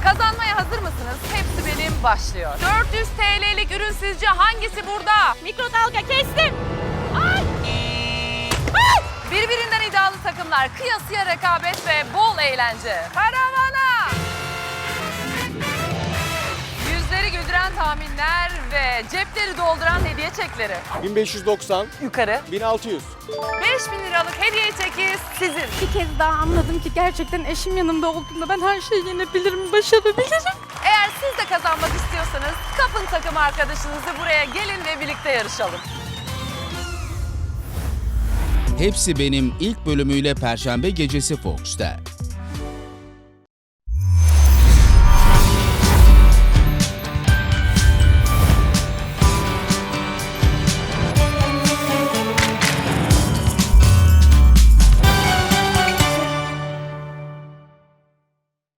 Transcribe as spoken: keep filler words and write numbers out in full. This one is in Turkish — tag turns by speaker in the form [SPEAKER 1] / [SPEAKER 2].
[SPEAKER 1] Kazanmaya hazır mısınız? Hepsi benim başlıyor. dört yüz T L'lik ürün sizce hangisi burada?
[SPEAKER 2] Mikrodalga kestim. Ay!
[SPEAKER 1] Ay! Birbirinden iddialı takımlar, kıyasıya rekabet ve bol eğlence. Karavana! Yüzleri güldüren tahminler ve cepleri dolduran hediye çekleri.
[SPEAKER 3] bin beş yüz doksan,
[SPEAKER 1] Yukarı.
[SPEAKER 3] bin altı yüz.
[SPEAKER 1] beş bin liralık hediye çeki sizin.
[SPEAKER 2] Bir kez daha anladım ki gerçekten eşim yanımda olduğunda ben her şeyi yenebilirim, başarabilirim.
[SPEAKER 1] Eğer siz de kazanmak istiyorsanız kapın takım arkadaşınızı buraya gelin ve birlikte yarışalım.
[SPEAKER 4] Hepsi Benim ilk bölümüyle Perşembe gecesi Fox'ta.